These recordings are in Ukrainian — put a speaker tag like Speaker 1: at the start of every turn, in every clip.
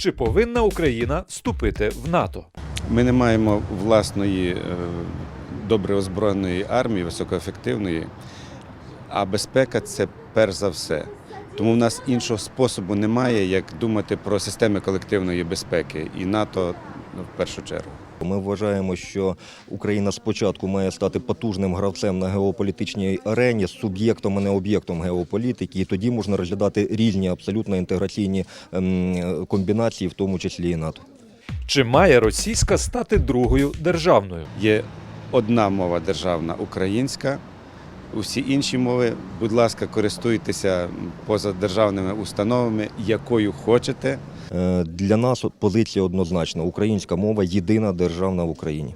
Speaker 1: Чи повинна Україна вступити в НАТО?
Speaker 2: Ми не маємо власної добре озброєної армії, високоефективної, а безпека – це перш за все. Тому в нас іншого способу немає, як думати про системи колективної безпеки і НАТО в першу чергу.
Speaker 3: Ми вважаємо, що Україна спочатку має стати потужним гравцем на геополітичній арені, суб'єктом, а не об'єктом геополітики, і тоді можна розглядати різні абсолютно інтеграційні комбінації, в тому числі і НАТО.
Speaker 1: Чи має російська стати другою державною?
Speaker 2: Є одна мова державна – українська. Усі інші мови, будь ласка, користуйтеся позадержавними установами, якою хочете.
Speaker 3: Для нас позиція однозначна. Українська мова – єдина державна в Україні.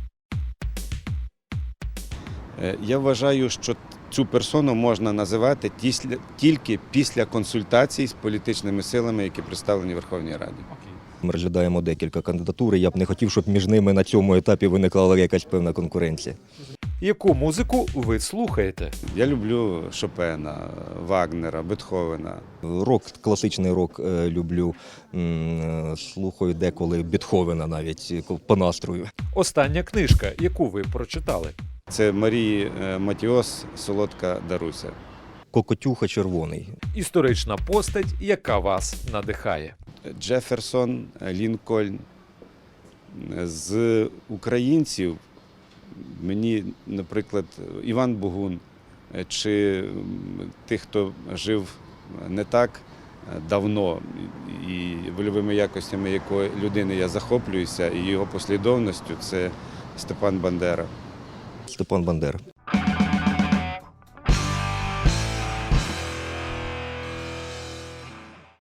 Speaker 2: Я вважаю, що цю персону можна називати тільки після консультацій з політичними силами, які представлені в Верховній Раді.
Speaker 3: Ми розглядаємо декілька кандидатур, і я б не хотів, щоб між ними на цьому етапі виникла якась певна конкуренція.
Speaker 1: Яку музику ви слухаєте?
Speaker 2: Я люблю Шопена, Вагнера, Бетховена.
Speaker 3: Рок, класичний рок люблю, слухаю деколи Бетховена навіть по настрою.
Speaker 1: Остання книжка, яку ви прочитали?
Speaker 2: Це Марії Матіос «Солодка Даруся».
Speaker 3: Кокотюха червоний.
Speaker 1: Історична постать, яка вас надихає?
Speaker 2: Джеферсон, Лінкольн. З українців мені, наприклад, Іван Богун, чи тих, хто жив не так давно, і вольовими якостями якої людини я захоплююся, і його послідовністю, це Степан Бандера.
Speaker 3: Степан Бандера.